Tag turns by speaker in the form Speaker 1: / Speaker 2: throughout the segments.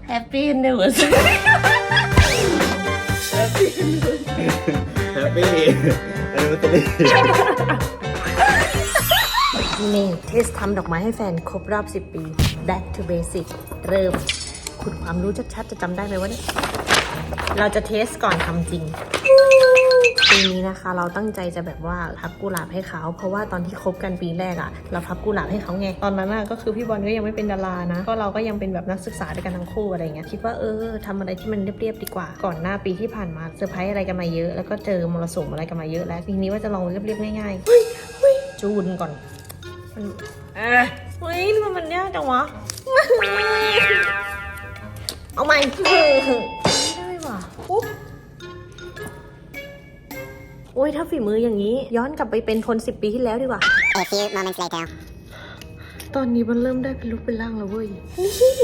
Speaker 1: Happy Anniversary
Speaker 2: Happy Anniversary
Speaker 1: นี่เทสทำดอกไม้ให้แฟนครบรอบ10 ปี Back to Basic เริ่มขุดความรู้ชัดๆจะจำได้ไหมวะเนี่ยเราจะเทสก่อนทำจริงปีนี้นะคะเราตั้งใจจะแบบว่าพับกุหลาบให้เขาเพราะว่าตอนที่คบกันปีแรกอะเราพับกุหลาบให้เขาไงตอนนั้นก็คือพี่บอลก็ยังไม่เป็นดารานะก็เราก็ยังเป็นแบบนักศึกษาด้วยกันทั้งคู่อะไรเงี้ยคิดว่าทำอะไรที่มันเรียบๆดีกว่าก่อนหน้าปีที่ผ่านมาเซอร์ไพรส์อะไรกันมาเยอะแล้วก็เจอมรสุมอะไรกันมาเยอะแล้วปีนี้ว่าจะลองเรียบๆง่ายๆเฮ้ยจูนก่อนเฮ้ยมันยากจังวะเอาใหม่ไม่ได้ว่ะปุ๊บโอ้ยถ้าฝีมืออย่างนี้ย้อนกลับไปเป็นคน10 ปีที่แล้วดีกว่า
Speaker 3: A few moments later
Speaker 1: ตอนนี้มันเริ่มได้เป็นรูปเป็นร่างแล้วเว้ยนี่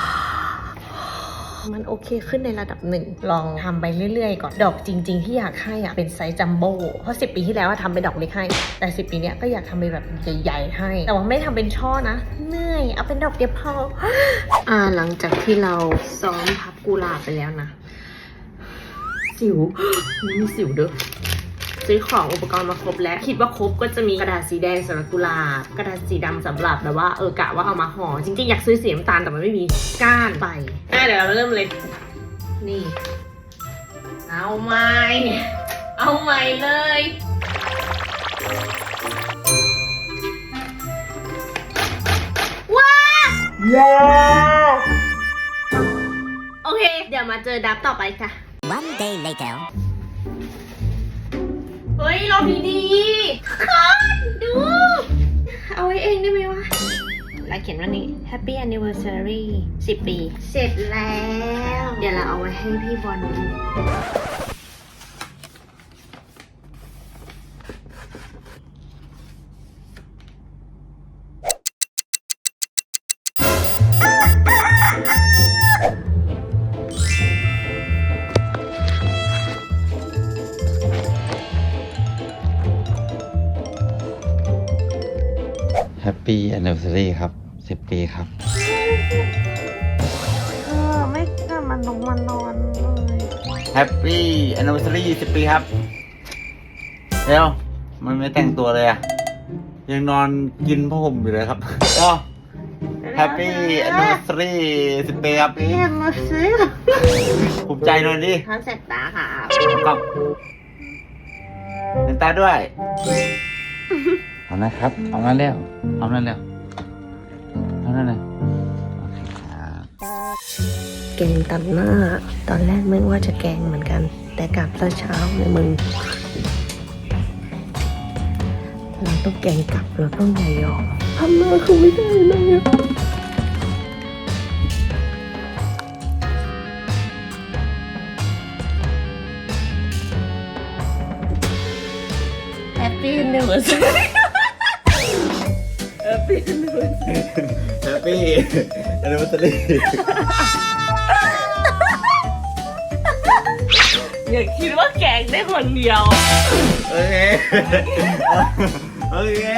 Speaker 1: มันโอเคขึ้นในระดับหนึ่งลองทำไปเรื่อยๆก่อนดอกจริงๆที่อยากให้เป็นไซส์จัมโบ้เพราะ10 ปีที่แล้วทำเป็นดอกเล็กให้แต่10 ปีเนี้ยก็อยากทำเป็นแบบใหญ่ๆให้แต่ว่าไม่ทำเป็นช่อนะเหนื่อยเอาเป็นดอกเดียวพอหลังจากที่เราซ้อมพับกุหลาบไปแล้วนะสิวมีสิวเด้อซื้อของอุปกรณ์มาครบแล้วคิดว่าครบก็จะมีกระดาษสีแดงสำหรับกุหลาบกระดาษสีดำสำหรับแบบว่ากะว่าเอามาห่อจริงๆอยากซื้อสีน้ำตาลแต่มันไม่มีก้านไปเดี๋ยวเราเริ่มเลยนี่เอาใหม่เลยว้าวโอเคเดี๋ยวมาเจอดับต่อไปค่ะ
Speaker 3: One day later
Speaker 1: เฮ้ยเราดีคนดู เอาไว้เองได้ไหมวะแล้วเขียนว่านี้ Happy Anniversary 10 ปี เสร็จแล้ว เดี๋ยวเราเอาไว้ให้พี่บอลดู
Speaker 2: Happy Anniversary ครับ10 ปีครับ
Speaker 1: ไม่กล้ามันนอนเลย
Speaker 2: Happy Anniversary 10 ปีครับเร็วมันไม่แต่งตัวเลยอะยังนอนกินผ้าห่มอยู่เลยครับก็ Happy Anniversary 10 ปีครับ
Speaker 1: เรียกมาซื้อ
Speaker 2: ภูมิใจหน่อยดิ
Speaker 1: ทำเสร็จตาค่ะ
Speaker 2: ก็เล่นตาด้วยเอานะครับเอานั่นแล้วเอานั่นแล้วเอานั่นเลยโอเคครับ
Speaker 1: แกงตัดหน้าตอนแรกไม่ว่าจะแกงเหมือนกันแต่กลับซะเช้าเลยมึงเราต้องแกงกลับเราต้องอย่ายอมทำหน้าคือไม่ได้เลย Happy Anniversary Happy Anniversary
Speaker 2: Happy Anniversary
Speaker 1: อย่าคิดว่าแกงได้คนเดียว
Speaker 2: โอเคโอเค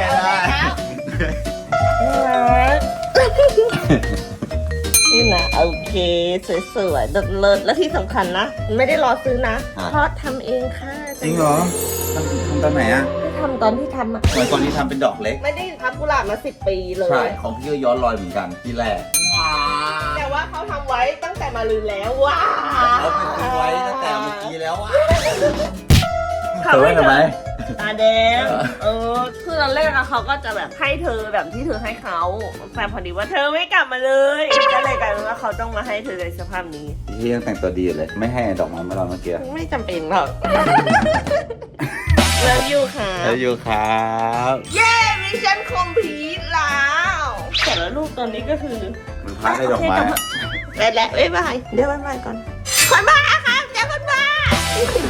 Speaker 1: นี่นะโอเคสวยๆเลิศๆและที่สำคัญนะไม่ได้รอซื้อนะเพราะทำเองค่ะ
Speaker 2: จริงเหรอทำตอนไหนอ่ะ
Speaker 1: ทำตอนที่ทำอะ
Speaker 2: เหมือนตอนที่ทำเป็นดอกเล็ก
Speaker 1: ไม่ได้พับกุหลาบมา10 ปีเลย
Speaker 2: ใช่ของพี่ก็ย้อนรอยเหมือนกันที่แรกว้า
Speaker 1: แต่ว่าเขาทำไว้ตั้งแต่มาลืนแล้วว้า
Speaker 2: เขาเป็นไว้ตั้งแต่เมื่อกี้แล้วว่ะ
Speaker 1: เขา
Speaker 2: เธอ
Speaker 1: ไม่
Speaker 2: ทำไม
Speaker 1: ตาแดงคือตอนแรกเขาก็จะแบบให้เธอแบบที่เธอให้เขาแต่พอดีว่าเธอไม่กลับมาเลยก็เลยกลายเป็นว่าเขาต้องมาให้เธอในสภาพนี้
Speaker 2: พี่ยังแต่งตัวดีเลย ไม่ให้ดอกไม้มาเราเมื่อกี้
Speaker 1: ไม่จำเป็นหรอกเลิฟยูค่ะ
Speaker 2: แล้วอยู่ครับ
Speaker 1: เย้มิชชั่นคอมพลีทแล้วแต่ละรูปตอนนี้ก็คือ
Speaker 2: มันพักได้ดอกไม้
Speaker 1: ไปแล้วบ๊ายบายเดี๋ยวบ๊ายบายก่อนคนบ้าครับเดี๋ยวคนบ้า